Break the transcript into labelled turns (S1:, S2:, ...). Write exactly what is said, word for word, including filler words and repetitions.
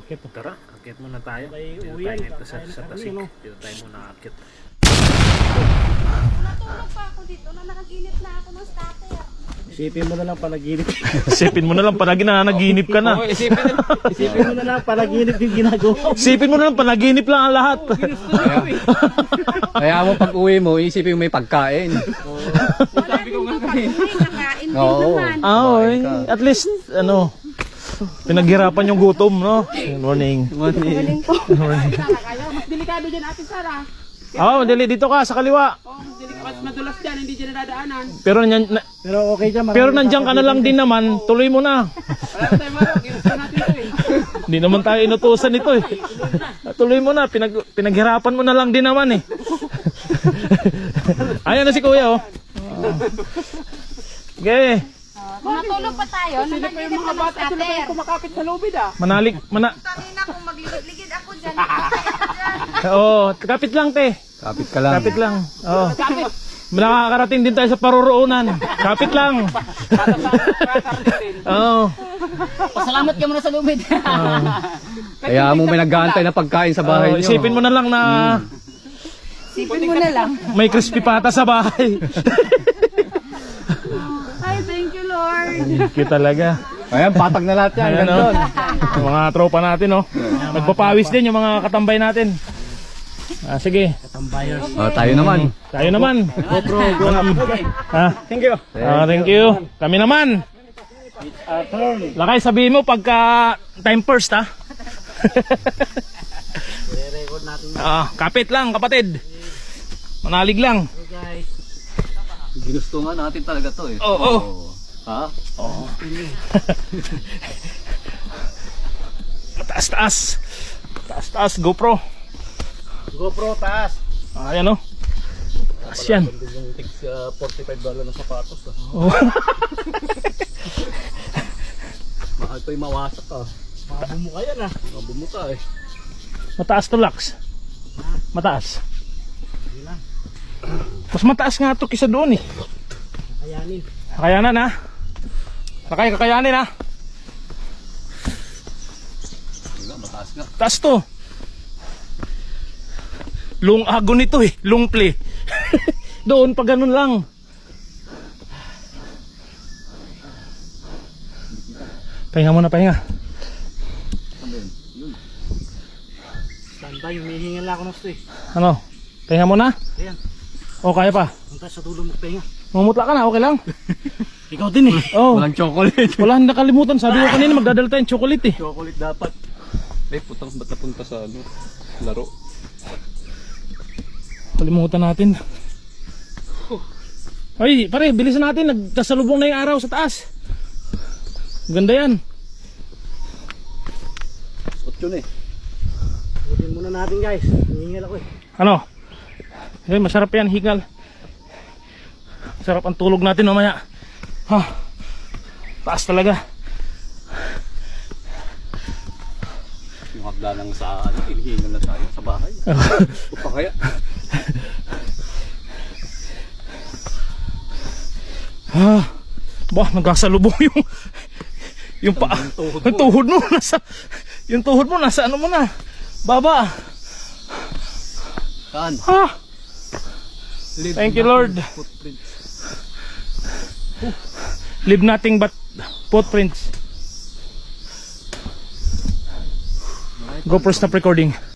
S1: akit.
S2: Tara, akit muna tayo.
S1: May
S2: Dito
S1: uwi
S2: tayo
S1: yan,
S2: nito sa,
S1: kakain
S2: sa
S1: na kami,
S2: tasik.
S1: no?
S2: Dito tayo muna akit.
S3: Natulog pa ako dito na nakaginip na ako ng starter.
S1: Isipin mo na lang panaginip.
S4: Isipin mo na lang panaginip na naginip ka na.
S1: isipin, isipin mo na lang panaginip yung ginagawa.
S4: Isipin mo na lang panaginip lang ang lahat.
S5: Kaya mo pag uwi mo, isipin mo may pagkain.
S3: Wala din ba pag-uwi, kakain din
S5: Oo.
S3: naman.
S4: Ah, oy. At least, ano, pinaghirapan yung gutom, no? Good morning.
S3: Galing po.
S6: Mas delikado dyan, Ate Sara.
S4: Oo, oh, dali dito ka sa kaliwa.
S6: Oh, mas, delik- mas madulas dyan, hindi dyan nadadaanan.
S4: Pero nanyan, na,
S1: Pero okay dyan. marami
S4: pero nandiyan ka na lang din naman, tuloy mo na.
S6: Wala na tayo marok, ginusto natin ito eh.
S4: Hindi naman tayo inutusan nito eh. Tuloy mo na, pinag, pinaghirapan mo na lang din naman eh. Ayan na si Kuya oh. Okay.
S3: Natulog pa tayo na
S6: Sino pa yung
S3: naginip
S6: mga
S3: ka ng
S6: bata, sila pa
S3: starter.
S6: yung kumakapit sa lubid ah.
S4: Manalig, mana...
S3: Kanina kung magligid-ligid ako dyan. Dyan.
S4: Oo, kapit lang te.
S5: Kapit ka lang.
S4: Kapit lang. Oo.
S6: Kapit.
S4: Nakakarating din tayo sa paruroonan. Kapit lang.
S6: Para sa para din.
S4: Oo.
S6: Pasalamat ka muna sa lubid.
S5: Kaya mo may nag-aantay na pagkain sa bahay
S4: Oo,
S5: niyo.
S4: isipin mo na lang na
S3: Sipin mo na lang.
S4: may crispy pata sa bahay.
S3: Ay, thank you Lord.
S4: Cute talaga.
S5: Ayan, patag na lahat yan.
S4: Ayan,
S5: Gandun.
S4: Yung mga tropa natin, no? Nagpapawis din yung mga katambay natin. Ah, sige.
S1: Tambayers.
S5: Oh, tayo naman.
S4: Tayo naman.
S1: GoPro, go na.
S4: Ah,
S1: Thank you.
S4: ah, thank you. Kami naman.
S1: Uh, turn.
S4: Lakay, sabihin mo pagka time first, ha?
S1: I-record natin.
S4: Ah, kapit lang, kapatid. Manalig lang.
S1: Okay guys.
S5: Ginusto nga natin talaga to eh.
S4: Oo. Oh,
S5: Ha?
S4: oh. Taas, taas. Taas, taas, GoPro.
S1: GoPro taas.
S4: Ah, ayan, oh. Taas yan.
S1: Yung tig forty-five dollars na sapatos.
S4: Oh.
S5: Mahal pa yung mawasak ah.
S1: Mga bumuka yan ah.
S5: Mabumuka eh.
S4: Mataas to, Lux. Mataas. Mas mataas nga to kisa doon eh.
S1: Kayanin.
S4: Kakayanan ha. Sakay, kakayanin ha.
S5: Nga, mataas nga.
S4: Taas to. Lung agon nito eh. Lung play. Doon pa ganun lang. Pahinga muna, pahinga.
S1: Standby, humihingan lang ako ng sto eh.
S4: Ano? Pahinga muna?
S1: Ayan.
S4: O, kaya pa?
S1: Punta sa dulo magpahinga.
S4: Mamutla ka na, okay lang?
S1: Ikaw din eh.
S4: Oh,
S5: Walang chocolate.
S4: wala nang nakalimutan. Sabi ko kanina magdadala tayong chocolate eh.
S5: Chocolate dapat. Eh, putang ba't napunta sa ano? Laro.
S4: Kalimutan natin. Ay, pare, bilisan natin. Nagkasalubong na yung araw sa taas. Ganda yan.
S5: Spot yun eh.
S1: Butin muna natin guys. Humihingal ako eh.
S4: Ano? Eh, masarap yan, hingal. Sarap ang tulog natin mamaya. Ha? Taas talaga.
S5: Yung hagla lang sa ano, ilihingan na tayo sa bahay. O pa kaya?
S4: Ha? Bah, nagkasalubong yung yung pa, yung tuhod mo nasa yung tuhod mo nasa ano mo na? Baba.
S5: Saan?
S4: Ha? Thank you, Lord.
S5: Footprints.
S4: Leave nothing but footprints. GoPro stop recording.